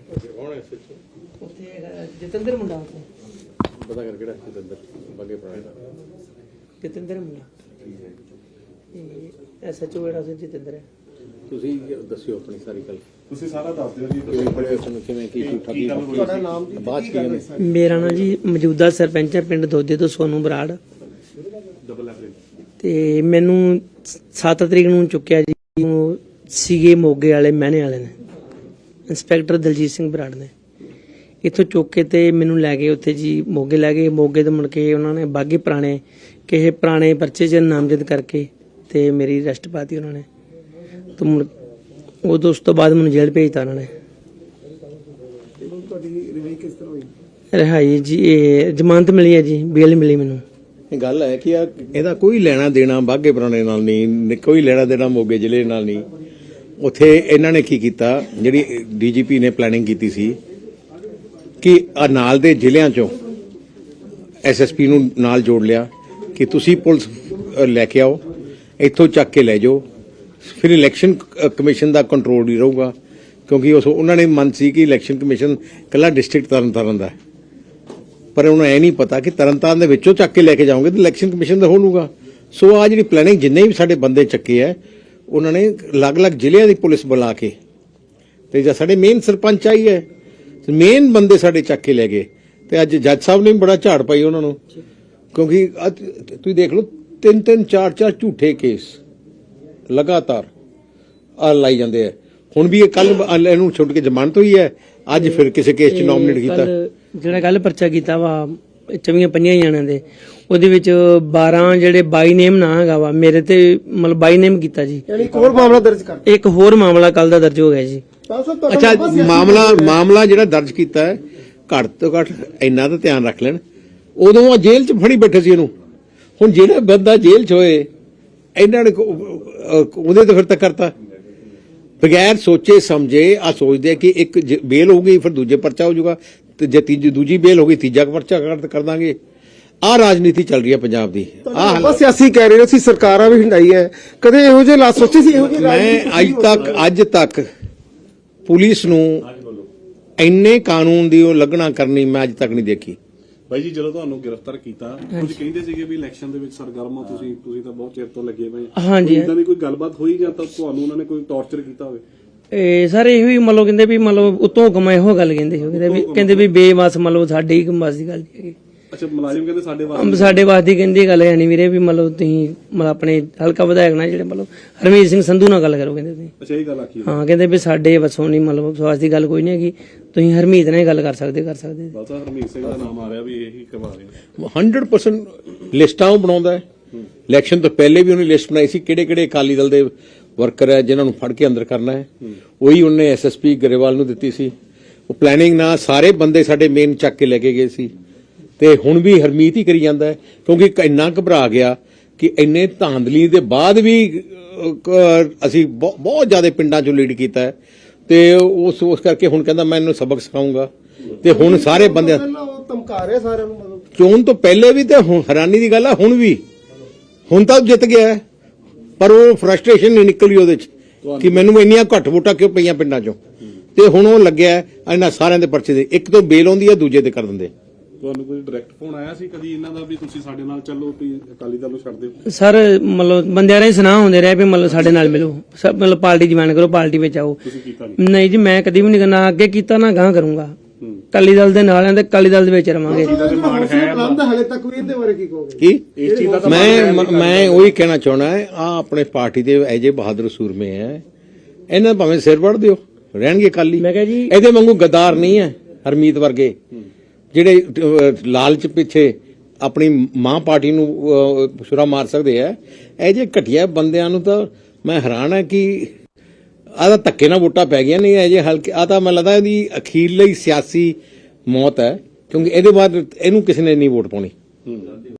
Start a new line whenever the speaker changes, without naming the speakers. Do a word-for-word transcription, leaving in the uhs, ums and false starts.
ਜਤਿੰਦਰ ਮੁੰਡਾ
ਪਤਾ ਕਰ ਕਿਹੜਾ ਜਤਿੰਦਰ ਬਾਗੇ ਪੁਰਾਣੇ ਦਾ
ਜਤਿੰਦਰ ਮੁੰਡਾ ਐਸਐਚਓ ਜਿਹੜਾ ਸੀ ਜਤਿੰਦਰ ਹੈ।
ਤੁਸੀਂ ਦੱਸਿਓ ਆਪਣੀ ਸਾਰੀ ਗੱਲ।
ਤੁਸੀਂ ਸਾਰਾ ਦੱਸ ਦਿਓ ਜੀ।
ਕਿਵੇਂ ਪੜਿਆ ਤੁਹਾਨੂੰ ਕਿਵੇਂ ਕੀ ਝੂਠਾ ਕੀ ਤੁਹਾਡਾ ਨਾਮ ਜੀ ਬਾਅਦ ਕੀ ਨੇ?
ਮੇਰਾ ਨਾਮ ਜੀ ਮੌਜੂਦਾ ਸਰਪੰਚ ਹੈ ਪਿੰਡ ਦੋਦੇ ਤੋਂ ਸੋਨੂ ਬਰਾੜ।
ਡਬਲ ਐਵਰੇਜ
ਤੇ ਮੈਨੂੰ ਸੱਤ ਤਰੀਕ ਨੂੰ ਚੁੱਕਿਆ ਜੀ ਸੀਗੇ ਮੋਗੇ ਵਾਲੇ ਮਹਿਣੇ ਵਾਲੇ ਨੇ ਇੰਸਪੈਕਟਰ ਦਲਜੀਤ ਸਿੰਘ ਬਰਾੜ ਨੇ ਇੱਥੋਂ ਚੁੱਕ ਕੇ ਤੇ ਮੈਨੂੰ ਲੈ ਗਏ ਉੱਥੇ ਜੀ ਮੋਗੇ ਲੈ ਗਏ। ਮੋਗੇ ਤੋਂ ਮੁੜ ਕੇ ਉਹਨਾਂ ਨੇ ਬਾਗੀ ਪੁਰਾਣੇ ਕਿਸੇ ਪੁਰਾਣੇ ਪਰਚੇ 'ਚ ਨਾਮਜ਼ਦ ਕਰਕੇ ਤੇ ਮੇਰੀ ਅਰੈਸਟ ਪਾਤੀ ਉਹਨਾਂ ਨੇ। ਤੇ ਮੁੜ ਉਦੋਂ ਉਸ ਤੋਂ ਬਾਅਦ ਮੈਨੂੰ ਜੇਲ੍ਹ ਭੇਜਤਾ ਉਹਨਾਂ ਨੇ। ਰਿਹਾਈ ਜੀ ਇਹ ਜ਼ਮਾਨਤ ਮਿਲੀ ਹੈ ਜੀ, ਬੇਲ ਮਿਲੀ ਮੈਨੂੰ।
ਇਹ ਗੱਲ ਹੈ ਕਿ ਆ ਇਹਦਾ ਕੋਈ ਲੈਣਾ ਦੇਣਾ ਬਾਗੇ ਪੁਰਾਣੇ ਨਾਲ ਨਹੀਂ, ਕੋਈ ਲੈਣਾ ਦੇਣਾ ਮੋਗੇ ਜ਼ਿਲ੍ਹੇ ਨਾਲ ਨਹੀਂ। ਉੱਥੇ ਇਹਨਾਂ ਨੇ ਕੀ ਕੀਤਾ, ਜਿਹੜੀ ਡੀਜੀਪੀ ਨੇ ਪਲੈਨਿੰਗ ਕੀਤੀ ਸੀ ਕਿ ਆ ਨਾਲ ਦੇ ਜ਼ਿਲ੍ਹਿਆਂ ਚੋਂ ਐਸਐਸਪੀ ਨੂੰ ਨਾਲ ਜੋੜ ਲਿਆ ਕਿ ਤੁਸੀਂ ਪੁਲਿਸ ਲੈ ਕੇ ਆਓ, ਇੱਥੋਂ ਚੱਕ ਕੇ ਲੈ ਜਾਓ, ਫਿਰ ਇਲੈਕਸ਼ਨ ਕਮਿਸ਼ਨ ਦਾ ਕੰਟਰੋਲ ਨਹੀਂ ਰਹੂਗਾ। ਕਿਉਂਕਿ ਉਸ ਉਹਨਾਂ ਨੇ ਮੰਨ ਸੀ ਕਿ ਇਲੈਕਸ਼ਨ ਕਮਿਸ਼ਨ ਕੱਲਾ ਡਿਸਟ੍ਰਿਕਟ ਤਰਨਤਾਰਨ ਦਾ ਹੈ, ਪਰ ਉਹਨੂੰ ਇਹ ਨਹੀਂ ਪਤਾ ਕਿ ਤਰਨਤਾਰਨ ਦੇ ਵਿੱਚੋਂ ਚੱਕ ਕੇ ਲੈ ਕੇ ਜਾਓਗੇ ਤਾਂ ਇਲੈਕਸ਼ਨ ਕਮਿਸ਼ਨ ਦਾ ਹੋਣੂਗਾ। ਸੋ ਆ ਜਿਹੜੀ ਪਲੈਨਿੰਗ ਜਿੰਨੇ ਵੀ ਸਾਡੇ ਬੰਦੇ ਚੱਕੇ ਹੈ ਉਹਨਾਂ ਨੇ ਅਲੱਗ-ਅਲੱਗ ਜ਼ਿਲ੍ਹਿਆਂ ਦੀ ਪੁਲਿਸ ਬੁਲਾ ਕੇ ਤੇ ਜਾਂ ਸਾਡੇ ਮੇਨ ਸਰਪੰਚ ਆਈ ਹੈ ਮੇਨ ਬੰਦੇ ਸਾਡੇ ਚੱਕ ਕੇ ਲੈ ਗਏ। ਤੇ ਅੱਜ ਜੱਜ ਸਾਹਿਬ ਨੇ ਵੀ ਬੜਾ ਝਾੜ ਪਾਈ ਉਹਨਾਂ ਨੂੰ, ਕਿਉਂਕਿ ਤੁਸੀਂ ਦੇਖ ਲਓ ਤਿੰਨ ਤਿੰਨ ਚਾਰ ਚਾਰ ਝੂਠੇ ਕੇਸ ਲਗਾਤਾਰ ਆ ਲਾਈ ਜਾਂਦੇ ਆ। ਹੁਣ ਵੀ ਇਹ ਕੱਲ ਇਹਨੂੰ ਛੁੱਟ ਕੇ ਜ਼ਮਾਨਤ ਹੋਈ ਹੈ, ਅੱਜ ਫਿਰ ਕਿਸੇ ਕੇਸ 'ਚ ਨੋਮੀਨੇਟ ਕੀਤਾ।
ਜਿਹੜਾ ਕੱਲ ਪਰਚਾ ਕੀਤਾ ਵਾ ਚੌਵੀਆਂ ਪੰਜਾਂ ਜਣਿਆਂ ਦੇ, ਉਹਦੇ ਵਿੱਚ ਬਾਰਾਂ ਜਿਹੜੇ ਬਾਈ ਨੇਮ ਨਾ ਹੈਗਾ ਵਾ ਮੇਰੇ ਤੇ ਮਤਲਬ ਬਾਈ ਨੇਮ ਕੀਤਾ ਜੀ।
ਇੱਕ ਹੋਰ ਮਾਮਲਾ ਦਰਜ ਕਰ
ਇੱਕ ਹੋਰ ਮਾਮਲਾ ਕੱਲ ਦਾ ਦਰਜ ਹੋ ਗਿਆ ਜੀ।
ਅੱਛਾ, ਮਾਮਲਾ ਮਾਮਲਾ ਜਿਹੜਾ ਦਰਜ ਕੀਤਾ ਹੈ ਘੱਟ ਤੋਂ ਘੱਟ ਇੰਨਾ ਤਾਂ ਧਿਆਨ ਰੱਖ ਲੈਣ, ਉਦੋਂ ਆ ਜੇਲ੍ਹ 'ਚ ਫੜੀ ਬੈਠੇ ਸੀ ਇਹਨੂੰ। ਹੁਣ ਜਿਹੜਾ ਬੰਦਾ ਜੇਲ੍ਹ 'ਚ ਹੋਏ ਇਹਨਾਂ ਨੇ ਉਹਦੇ ਤੋਂ ਫਿਰ ਤੱਕ ਕਰਤਾ ਬਗੈਰ ਸੋਚੇ ਸਮਝੇ। ਆ ਸੋਚਦੇ ਕਿ ਇੱਕ ਬੇਲ ਹੋ ਗਈ ਫਿਰ ਦੂਜੇ ਪਰਚਾ ਹੋ ਜਾਊਗਾ, ਤੇ ਜੇ ਤੀਜੀ ਦੂਜੀ ਬੇਲ ਹੋ ਗਈ ਤੀਜਾ ਪਰਚਾ ਕਰ ਦਾਂਗੇ। ਆਹ ਰਾਜਨੀਤੀ ਚੱਲ ਰਹੀ ਹੈ ਪੰਜਾਬ ਦੀ। ਆਹ
ਬਸ ਸਿਆਸੀ ਕਹਿ ਰਹੇ ਹੋ, ਅਸੀਂ ਸਰਕਾਰਾਂ ਵੀ ਹੰਡਾਈ ਹੈ, ਕਦੇ ਇਹੋ ਜਿਹੇ ਲਾ ਸੋਚੇ ਸੀ? ਇਹੋ ਜਿਹੇ
ਮੈਂ ਅੱਜ ਤੱਕ ਅੱਜ ਤੱਕ ਪੁਲਿਸ ਨੂੰ ਇੰਨੇ ਕਾਨੂੰਨ ਦੀ ਉਹ ਲੱਗਣਾ ਕਰਨੀ ਮੈਂ ਅੱਜ ਤੱਕ ਨਹੀਂ ਦੇਖੀ।
ਬਾਈ ਜੀ ਜਦੋਂ ਤੁਹਾਨੂੰ ਗ੍ਰਿਫਤਾਰ ਕੀਤਾ ਕੁਝ ਕਹਿੰਦੇ ਸੀਗੇ ਵੀ ਇਲੈਕਸ਼ਨ ਦੇ ਵਿੱਚ ਸਰਗਰਮ ਹੋ ਤੁਸੀਂ, ਤੁਸੀਂ ਤਾਂ ਬਹੁਤ ਚਿਰ ਤੋਂ ਲੱਗੇ ਪਏ।
ਹਾਂਜੀ,
ਇਦਾਂ ਦੀ ਕੋਈ ਗੱਲਬਾਤ ਹੋਈ ਜਾਂ ਤਾਂ ਤੁਹਾਨੂੰ ਉਹਨਾਂ ਨੇ ਕੋਈ ਟੌਰਚਰ ਕੀਤਾ ਹੋਵੇ?
ਇਹ ਸਾਰੇ ਇਹੋ ਹੀ ਮਤਲਬ ਕਹਿੰਦੇ ਵੀ ਮਤਲਬ ਉਤੋਂ ਹੁਕਮ ਇਹੋ ਗੱਲ ਕਹਿੰਦੇ ਸੀ, ਕਹਿੰਦੇ ਵੀ ਕਹਿੰਦੇ ਵੀ ਬੇਵਸ ਮਤਲਬ ਸਾਡੇ ਹੀ ਬਸ ਦੀ ਗੱਲ ਨਹੀਂ ਹੈਗੀ।
ਅੱਛਾ, ਮੁਲਾਜ਼ਮ ਕਹਿੰਦੇ ਸਾਡੇ ਵਾਸਤੇ
ਸਾਡੇ ਵਾਸਤੇ ਕਹਿੰਦੀ ਗੱਲ ਹੈ ਨਹੀਂ ਵੀਰੇ ਵੀ ਮਤਲਬ ਤੁਸੀਂ ਮਤਲਬ ਆਪਣੇ ਹਲਕਾ ਵਿਧਾਇਕ ਨਾਲ ਜਿਹੜੇ ਮਤਲਬ ਹਰਮੀਤ ਸਿੰਘ ਸੰਧੂ ਨਾਲ ਗੱਲ ਕਰੋ ਕਹਿੰਦੇ ਤੁਸੀਂ।
ਅੱਛਾ, ਇਹ ਗੱਲ ਆਖੀ
ਹਾਂ, ਕਹਿੰਦੇ ਵੀ ਸਾਡੇ ਵੱਸੋਂ ਨਹੀਂ ਮਤਲਬ ਸਵਾਸ ਦੀ ਗੱਲ ਕੋਈ ਨਹੀਂ ਹੈਗੀ, ਤੁਸੀਂ ਹਰਮੀਤ ਨਾਲ ਗੱਲ ਕਰ ਸਕਦੇ ਕਰ ਸਕਦੇ
ਬਸ ਹਰਮੀਤ ਸਿੰਘ ਦਾ ਨਾਮ ਆ ਰਿਹਾ ਵੀ ਇਹੀ ਕਰਵਾ ਰਹੇ।
ਹੰਡਰਡ ਪਰਸੈਂਟ ਲਿਸਟਾਂ ਉਹ ਬਣਾਉਂਦਾ ਹੈ। ਇਲੈਕਸ਼ਨ ਤੋਂ ਪਹਿਲੇ ਵੀ ਉਹਨੇ ਲਿਸਟ ਬਣਾਈ ਸੀ ਕਿਹੜੇ ਕਿਹੜੇ ਅਕਾਲੀ ਦਲ ਦੇ ਵਰਕਰ ਹੈ ਜਿਨ੍ਹਾਂ ਨੂੰ ਫੜ ਕੇ ਅੰਦਰ ਕਰਨਾ ਹੈ, ਉਹੀ ਉਹਨੇ ਐਸਐਸਪੀ ਗਰੇਵਾਲ ਨੂੰ ਦਿੱਤੀ ਸੀ। ਉਹ ਪਲੈਨਿੰਗ ਨਾਲ ਸਾਰੇ ਬੰਦੇ ਸਾਡੇ ਮੇਨ ਚੱਕ ਕੇ ਲੈ ਕੇ ਗਏ ਸੀ। ਤੇ ਹੁਣ ਵੀ ਹਰਮੀਤ ਹੀ ਕਰੀ ਜਾਂਦਾ ਹੈ, ਕਿਉਂਕਿ ਇੰਨਾ ਘਬਰਾ ਗਿਆ ਕਿ ਇੰਨੇ ਧਾਂਦਲੀ ਦੇ ਬਾਅਦ ਵੀ ਅਸੀਂ ਬਹੁਤ ਜ਼ਿਆਦਾ ਪਿੰਡਾਂ ਚੋਂ ਲੀਡ ਕੀਤਾ ਹੈ। ਤੇ ਉਸ ਉਸ ਕਰਕੇ ਹੁਣ ਕਹਿੰਦਾ ਮੈਂ ਇਹਨੂੰ ਸਬਕ ਸਿਖਾਉਂਗਾ। ਤੇ ਹੁਣ ਸਾਰੇ ਬੰਦੇ
ਧਮਕਾ ਰਹੇ ਸਾਰਿਆਂ ਨੂੰ, ਮਤਲਬ
ਚੋਣ ਤੋਂ ਪਹਿਲੇ ਵੀ ਤੇ ਹੁਣ ਹੈਰਾਨੀ ਦੀ ਗੱਲ ਹੈ ਹੁਣ ਵੀ। ਹੁਣ ਤਾਂ ਜਿੱਤ ਗਿਆ, ਪਰ ਉਹ ਫਰਸਟ੍ਰੇਸ਼ਨ ਨਹੀਂ ਨਿਕਲੀ ਉਹਦੇ ਚ ਕਿ ਮੈਨੂੰ ਇੰਨੀਆਂ ਘੱਟ ਵੋਟਾਂ ਕਿਉਂ ਪਈਆਂ ਪਿੰਡਾਂ ਚੋਂ। ਤੇ ਹੁਣ ਉਹ ਲੱਗਿਆ ਇਹਨਾਂ ਸਾਰਿਆਂ ਦੇ ਪਰਚੇ ਦੇ, ਇੱਕ ਤੋਂ ਬੇਲ ਆਉਂਦੀ ਹੈ ਦੂਜੇ ਤੇ ਕਰ ਦਿੰਦੇ।
ਤੁਹਾਨੂੰ ਕੋਈ ਡਾਇਰੈਕਟ ਫੋਨ ਆਇਆ ਸੀ ਕਦੀ ਇਹਨਾਂ ਦਾ ਵੀ ਤੁਸੀਂ ਸਾਡੇ ਨਾਲ ਚੱਲੋ ਵੀ ਅਕਾਲੀ ਦਲ ਨੂੰ ਛੱਡ ਦਿਓ?
ਸਰ ਮਤਲਬ ਬੰਦਿਆਂ ਦੇ ਸੁਨਾਹ ਹੁੰਦੇ ਰਹੇ ਵੀ ਮਤਲਬ ਸਾਡੇ ਨਾਲ ਮਿਲੋ, ਸਭ ਮਤਲਬ ਪਾਰਟੀ ਜੁਆਇਨ ਕਰੋ, ਪਾਰਟੀ ਵਿੱਚ ਆਓ।
ਤੁਸੀਂ ਕੀਤਾ ਨਹੀਂ?
ਨਹੀਂ ਜੀ, ਮੈਂ ਕਦੀ ਵੀ ਨਹੀਂ ਕਰਨਾ, ਅੱਗੇ ਕੀਤਾ ਨਾ ਗਾਂ ਕਰੂੰਗਾ। ਅਕਾਲੀ ਦਲ ਦੇ ਨਾਲ ਆਂ ਤੇ ਅਕਾਲੀ ਦਲ ਦੇ ਵਿੱਚ ਰਵਾਂਗੇ।
ਹਾਲੇ ਤੱਕ ਵੀ ਇਹਦੇ ਬਾਰੇ ਕੀ ਕਹੋਗੇ?
ਕੀ ਮੈਂ ਮੈਂ ਉਹੀ ਕਹਿਣਾ ਚਾਹਣਾ ਹੈ, ਆ ਆਪਣੇ ਪਾਰਟੀ ਦੇ ਐਜੇ ਬਹਾਦਰ ਸੂਰਮੇ ਹੈ, ਇਹਨਾਂ ਭਾਵੇਂ ਸਿਰ ਵੜ ਦਿਓ ਰਹਿਣਗੇ ਅਕਾਲੀ।
ਮੈਂ ਕਿਹਾ ਜੀ
ਇਹਦੇ ਵਾਂਗੂ ਗਦਾਰ ਨਹੀਂ ਹੈ ਹਰਮੀਤ ਵਰਗੇ ਜਿਹੜੇ ਲਾਲਚ ਪਿੱਛੇ ਆਪਣੀ ਮਾਂ ਪਾਰਟੀ ਨੂੰ ਛੁਰਾ ਮਾਰ ਸਕਦੇ ਆ। ਇਹ ਜੇ ਘਟੀਆ ਬੰਦਿਆਂ ਨੂੰ ਤਾਂ ਮੈਂ ਹੈਰਾਨ ਹੈ ਕਿ ਆਹ ਤਾਂ ਧੱਕੇ ਨਾਲ ਵੋਟਾਂ ਪੈ ਗਈਆਂ। ਨਹੀਂ ਇਹ ਜੇ ਹਲਕੇ ਆ ਤਾਂ ਮੈਨੂੰ ਲੱਗਦਾ ਇਹਦੀ ਅਖੀਰਲੀ ਸਿਆਸੀ ਮੌਤ ਹੈ, ਕਿਉਂਕਿ ਇਹਦੇ ਬਾਅਦ ਇਹਨੂੰ ਕਿਸੇ ਨੇ ਨਹੀਂ ਵੋਟ ਪਾਉਣੀ।